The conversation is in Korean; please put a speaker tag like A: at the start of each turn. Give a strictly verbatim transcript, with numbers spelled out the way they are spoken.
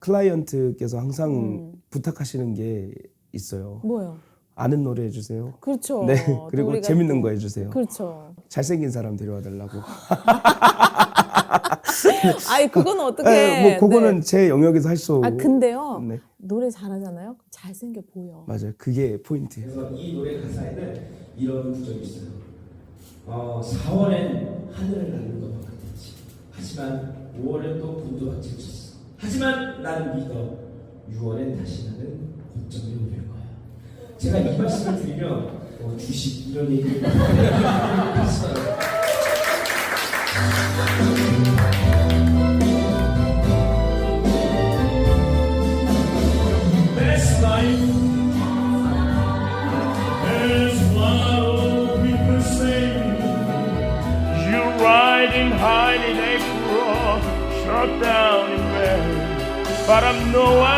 A: 클라이언트께서 항상
B: 음.
A: 부탁하시는 게 있어요.
B: 뭐요?
A: 아는 노래 해주세요.
B: 그렇죠.
A: 네.
B: 또
A: 그리고
B: 우리가
A: 재밌는
B: 또-
A: 거 해주세요.
B: 그렇죠.
A: 잘생긴 사람 데려와 달라고.
B: 아이 그건 어떻게?
A: 네, 뭐 그거는 제 영역에서 할 수.
B: 아 근데요.
A: 네.
B: 노래 잘하잖아요. 잘생겨 보여.
A: 맞아요. 그게 포인트예요.
C: 그래서 이 노래 가사에는 이런 구절이 있어요. 어, 사월엔 하늘을 나는 것 같았지. 하지만 오월엔 또 분두밭을 쳤어. 하지만 난 믿어. 유월엔 다시 나는 고점에 오를 거야. 제가 이 말씀을 드리면 어, 주식 이런 얘기를 하시더라고요.
D: Best life is what old people say. You ride and hide in April, shut down in May. But I'm no